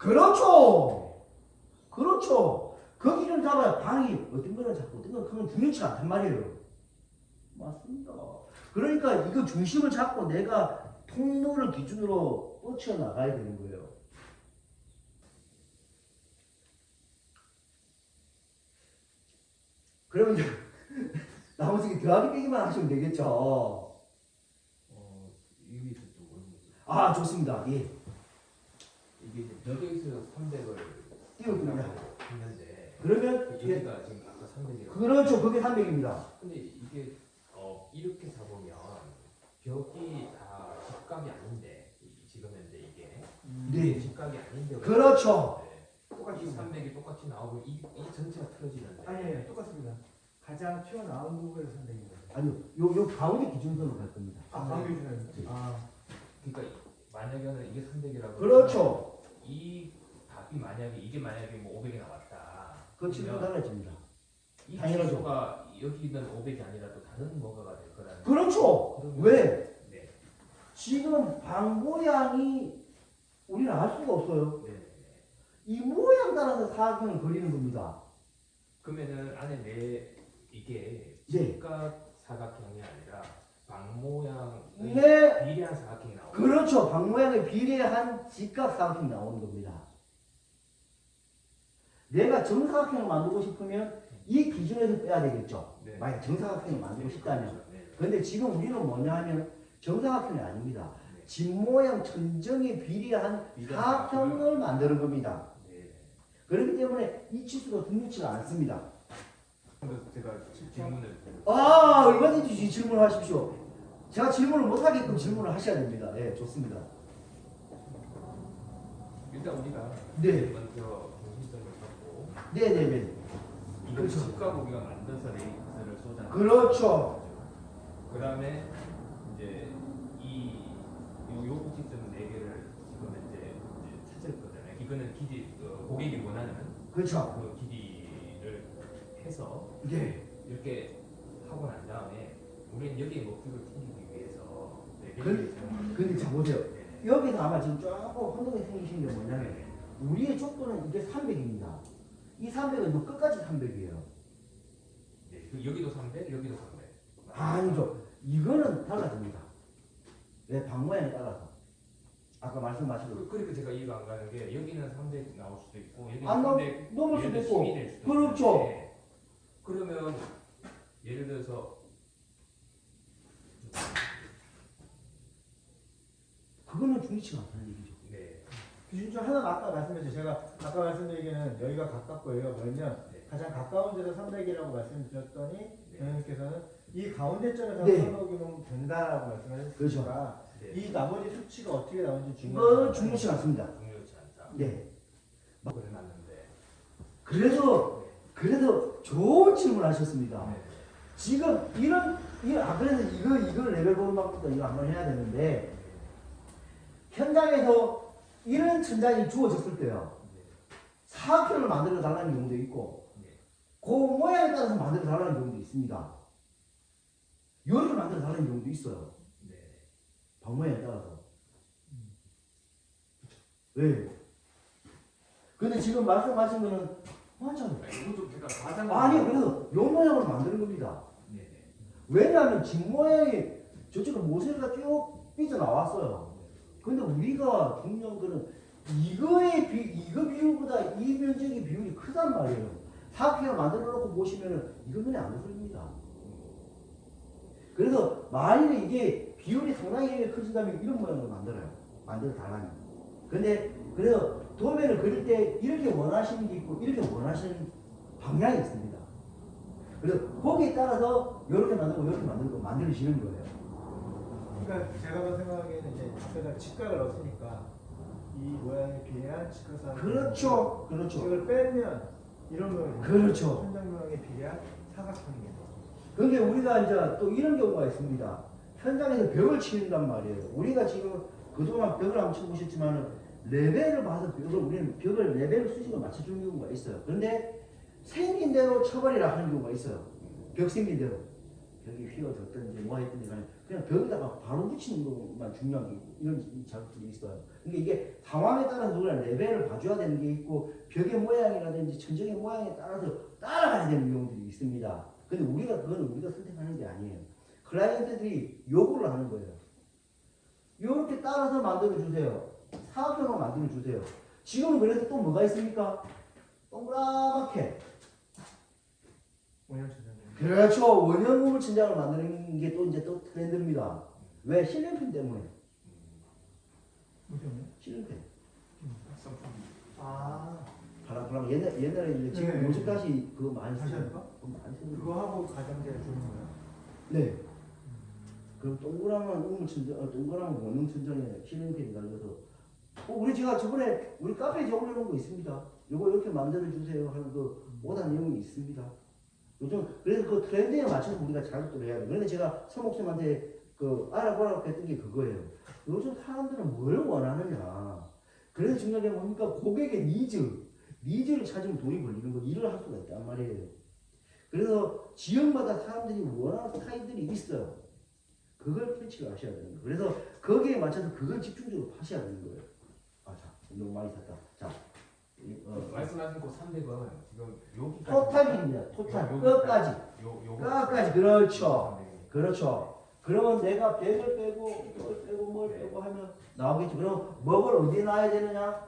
그렇죠. 그렇죠. 그 기준 잡아야 방이 어떤 거는 작고 어떤 거는 크면 중요치 않단 말이에요. 맞습니다. 그러니까 이거 중심을 잡고 내가 통로를 기준으로 뻗쳐 나가야 되는 거예요. 그러면 이제 나머지 더하기 빼기만 하시면 되겠죠. 여기서 또 모르겠어요. 아, 좋습니다. 예. 이게 이제 벽에서 300을 띄워줍니다. 했는데 그러면 이게 여기가 지금 아까 300이라고. 그렇죠. 그게 300입니다. 근데 이게 이렇게 사보면 벽이 다 직각이 아닌데 지금 현재 이게 네. 직각이 아닌데 그렇죠. 똑같이 300이 똑같이 나오고 이 전체가 틀어지는데 아니, 똑같습니다. 가장 튀어나온 부분에서 300입니다. 아니요. 요 가운데 기준선으로 갈 겁니다. 가운데 주는. 그러니까 만약에는 이게 300이라고 그렇죠. 이 답이 만약에 이게 만약에 뭐 500이 나왔다. 그 질문 달라집니다. 이 당연하죠. 지수가 여기는 500이 아니라 또 다른 뭐가가 될 거라는. 그렇죠. 그러면- 왜? 네. 지금 방 모양이 우리는 알 수가 없어요. 네. 이 모양 따라서 사각형을 그리는 겁니다. 그러면은 안에 이게 네. 직각 사각형이 아니라 방 모양의 네. 비례한 사각형이 나오고. 그렇죠. 방 모양에 비례한 직각 사각형이 나오는 겁니다. 내가 정사각형을 만들고 싶으면 이 기준에서 빼야 되겠죠. 네. 만약 정사각형을 만들고 싶다면. 그렇죠. 네. 그런데 지금 우리는 뭐냐 하면 정사각형이 아닙니다. 네. 집 모양 천정에 비례한 사각형을 만드는 겁니다. 네. 그렇기 때문에 이 치수가 중요치가 않습니다. 그래서 제가 질문을 아, 얼마든지 질문하십시오. 제가 질문을 못하게끔 질문을 하셔야 됩니다. 네, 좋습니다. 일단 우리가 네. 먼저 중심점을 잡고 네네네. 이걸 그렇죠. 직각 우리가 만들어서 레이스를 쏟아. 그렇죠. 그 다음에 이제 요 꼭지점 4개를 지금 이제 찾을 거잖아요. 이거는 고객이 원하는 그렇죠. 그 길이를 해서 네. 이렇게 하고 난 다음에 우리는 여기에 목표를 챙기기 위해서 근데 자 보세요. 여기서 아마 지금 조금 혼동이 생기신 게 뭐냐면 우리의 족도는 이게 300입니다. 이 300은 끝까지 300이에요. 네, 여기도 300, 여기도 300. 아니죠. 이거는 달라집니다. 내 방 모양에 따라서. 아까 말씀하신 그러니까 제가 이해가 안 가는 게 여기는 300 나올 수도 있고 여기는 안 나올- 300 넘을 수도 예를 들어 있고. 10이 될 수도 그렇죠. 있는데 그러면 예를 들어서 그거는 중요치가 않다는 얘기죠. 네, 기준 중 하나는 아까 말씀드렸죠. 제가 아까 말씀드리기는 여기가 가깝고 여기가 멀면 네. 가장 가까운 데서 300이라고 말씀드렸더니 네. 변호사께서는 이 가운데 점에서 네. 300이면 된다라고 말씀하셨으니까 그렇죠. 이 나머지 수치가 어떻게 나오는지 이거는 중요해요. 중요치 않습니다. 중요치 않다. 네. 그래놨는데 그래서 좋은 질문을 하셨습니다. 네. 지금 그래서 이거 레벨 보험학부터 이거 한번 해야 되는데 현장에서 이런 천장이 주어졌을 때요. 사각형을 만들어 달라는 경우도 있고 그 모양에 따라서 만들어 달라는 경우도 있습니다. 요리를 만들어 달라는 경우도 있어요. 네. 방 모양에 따라서. 왜? 근데 지금 말씀하신 거는 맞아요. 이것도 제가 가장 아니 그래서 요 모양으로 만드는 겁니다. 네. 왜냐하면 집 모양이 저쪽으로 모세가 쭉 삐져나왔어요. 근데 우리가 중요한 거는 이거 비율보다 이 면적의 비율이 크단 말이에요. 사각형을 만들어 놓고 보시면은 이거 눈에 안 보입니다. 그래서 만일에 이게 비율이 상당히 커진다면 이런 모양으로 만들어 달라는. 근데 그래서 도면을 그릴 때 이렇게 원하시는 게 있고 이렇게 원하시는 방향이 있습니다. 그래서 거기에 따라서 이렇게 만들고 이렇게 만들고 만들어지는 거예요. 그러니까 제가 생각하기에는 이제 제가 직각을 넣었으니까 이 모양에 비례한 직각사각. 그렇죠. 직각을 빼면 이런 모양이 그렇죠. 천장 모양에 비례한 사각형이겠죠. 근데 우리가 이제 또 이런 경우가 있습니다. 현장에서 벽을 치는단 말이에요. 우리가 지금 그동안 벽을 한번 쳐보셨지만 레벨을 봐서 우리는 벽을 레벨 수직을 맞춰주는 경우가 있어요. 그런데 생긴 대로 쳐버리라 하는 경우가 있어요. 벽 생긴 대로. 벽이 휘어졌든지 뭐 했든지 간에 그냥 벽에다가 바로 붙이는 것만 중요한 게 있고 이런 작업들이 있어요. 그러니까 이게 상황에 따라서 우리가 레벨을 봐줘야 되는 게 있고 벽의 모양이라든지 천정의 모양에 따라서 따라가야 되는 경우들이 있습니다. 근데 그건 우리가 선택하는 게 아니에요. 클라이언트들이 요구를 하는 거예요. 이렇게 따라서 만들어 주세요. 사각형으로 만들어 주세요. 지금은 그래서 또 뭐가 있습니까? 동그랗게. 원형 천장. 그렇죠. 원형 우물 천장을 만드는 게 또 이제 또 트렌드입니다. 왜? 실링핀 때문에. 무슨 실링핀. 아 바람 옛날에 이제 지금 네. 요즘 다시 그거 많이 다시 쓰는 할까? 많이 쓰는 그거 하고 가장자리 주는 거야? 네. 그럼 동그라만 우물 천장, 동그라만 원형 천장에 실링핀이 달려서 우리 제가 저번에 우리 카페에 제가 올려놓은 거 있습니다. 요거 이렇게 만들어 주세요 하는 그 오다 내용이 있습니다. 요즘 그래서 그 트렌드에 맞춰서 우리가 작업을 해야 돼요. 그런데 제가 서목쌤한테 그 알아보라고 했던 게 그거예요. 요즘 사람들은 뭘 원하느냐. 그래서 중요한 게 뭡니까? 고객의 니즈를 찾으면 돈이 벌리는 거 일을 할 수가 있단 말이에요. 그래서 지역마다 사람들이 원하는 스타일들이 있어요. 그걸 캐치를 하셔야 되는 거예요. 그래서 거기에 맞춰서 그걸 집중적으로 파셔야 되는 거예요. 아, 자, 너무 많이 샀다. 자, 말씀하신 그 300은 지금 여기까지 토탈입니다. 토탈. 끝까지. 끝까지. 그렇죠. 그렇죠. 그러면 내가 100을 빼고, 이걸 빼고, 뭘 빼고 하면 나오겠죠. 그럼 뭐를 어디에 놔야 되느냐?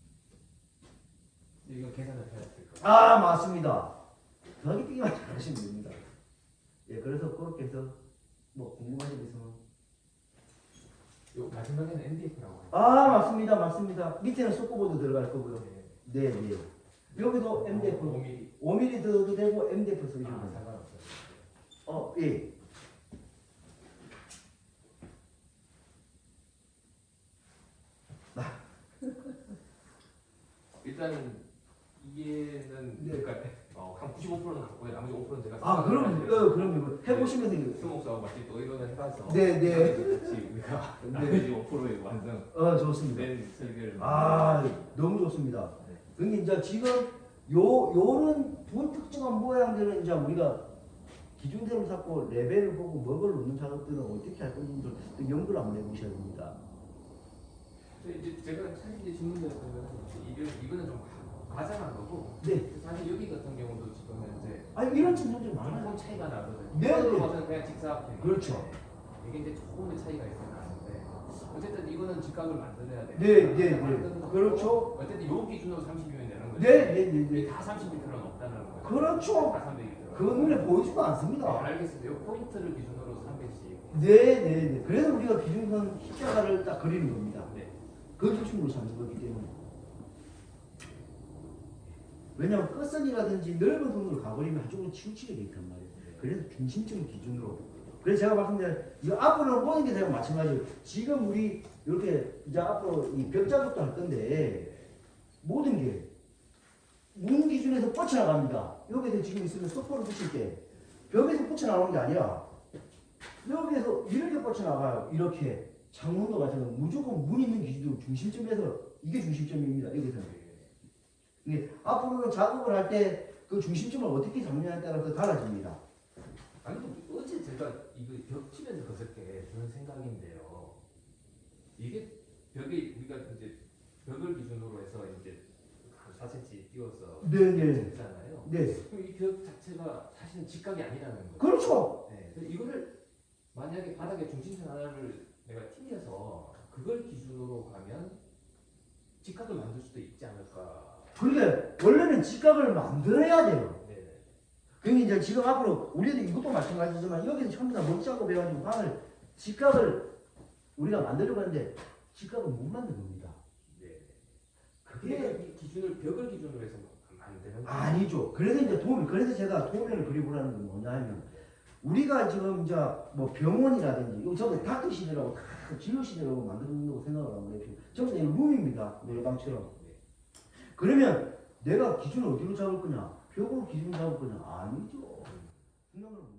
이거 계산을 해야 될 거예요. 아, 맞습니다. 더하기만 잘하시면 됩니다. 예, 그래서 그렇게 해서 뭐 궁금하신 게 있으면. 요 마지막에는 MDF라고 해요. 아, 맞습니다. 밑에는 속고보드 들어갈 거고요. 네. 여기도 MDF 5mm. 5mm 넣어도 되고 MDF 쓰시면 아, 돼요. 상관없어요. 예. 일단은 이게는 네. 그러니까 한 95%는 갖고 나머지 5%는 제가 아, 그럼요. 해보시면서 이거. 스모크하고 같이 또 의논을 해봐서 네. 같이 우리가 나머지 5%의 완성 좋습니다. 된 설계를 아, 너무 좋습니다. 근데 이제 지금 요런 불특정한 모양들은 이제 우리가 기준대로 잡고 레벨을 보고 뭐를 넣는 작업들은 어떻게 할 건지를 또 연구를 한번 해보셔야 됩니다. 이제 제가 사실 이제 질문드렸던 이거는 좀 과장한 거고 네. 사실 여기 같은 경우도 지금 현재 이런 친구들 많아요. 조금 차이가 나거든요. 네. 이거는 봐서는 그냥 직사각형. 그렇죠. 이게 이제 조금의 차이가 있어요. 나는데 어쨌든 이거는 직각을 만들어야 돼요. 네. 만드는 것도 그렇죠. 어쨌든 요 기준으로 30이면 되는 거죠. 네. 다 30m는 없다는 거예요. 그렇죠. 다 300m. 그 눈에 보이지도 네, 않습니다. 알겠습니다. 요 포인트를 기준으로 300씩. 네. 그래서 우리가 기준선 십자가를 딱 그리는 겁니다. 네. 그 기준으로 잡는 거기 때문에. 왜냐하면 끝선이라든지 넓은 선으로 가버리면 한쪽으로 치우치게 돼 있단 말이에요. 그래서 중심점 기준으로. 그래서 제가 말씀드린 이 앞으로 보는 게 되면 마찬가지예요. 지금 우리 이렇게 이제 앞으로 이 벽 작업도 할 건데 모든 게 문 기준에서 뻗쳐나갑니다. 여기서 지금 있으면 소포를 붙일 때 벽에서 뻗쳐나가는 게 아니라 여기에서 이렇게 뻗쳐나가요. 이렇게 창문도 마찬가지로 무조건 문 있는 기준으로 중심점에서 이게 중심점입니다. 여기서는. 이게 앞으로는 작업을 할 때 그 중심점을 어떻게 잡느냐에 따라서 달라집니다. 아니 어제 제가 이거 벽 치면서 그저께 드는 생각인데요. 이게 벽이 우리가 이제 벽을 기준으로 해서 이제 한 4cm 띄워서 네. 잖아요. 네. 그럼 이 벽 자체가 사실은 직각이 아니라는 거죠. 그렇죠. 네. 그래서 이거를 만약에 바닥에 중심선 하나를 내가 튕겨서 그걸 기준으로 가면 직각을 만들 수도 있지 않을까. 그게 원래는 직각을 만들어야 돼요. 네. 그게 이제 지금 앞으로 우리도 이것도 마찬가지지만 여기서 전부 다 먹 작업해가지고 방을 직각을 우리가 만들려고 하는데 직각을 못 만든 겁니다. 네. 그게 이 기준을 벽을 기준으로 해서 만드는 거 아니죠. 그래서 이제 그래서 제가 도면을 그려보라는 건 뭐냐면 우리가 지금 이제 뭐 병원이라든지 이거 전부 다 닥터 시대라고 다 진료 시대라고 만든다고 생각을 하면 돼요. 전부 다 룸입니다. 노래방처럼. 그러면 내가 기준을 어디로 잡을 거냐? 벽으로 기준을 잡을 거냐? 아니죠. 생각을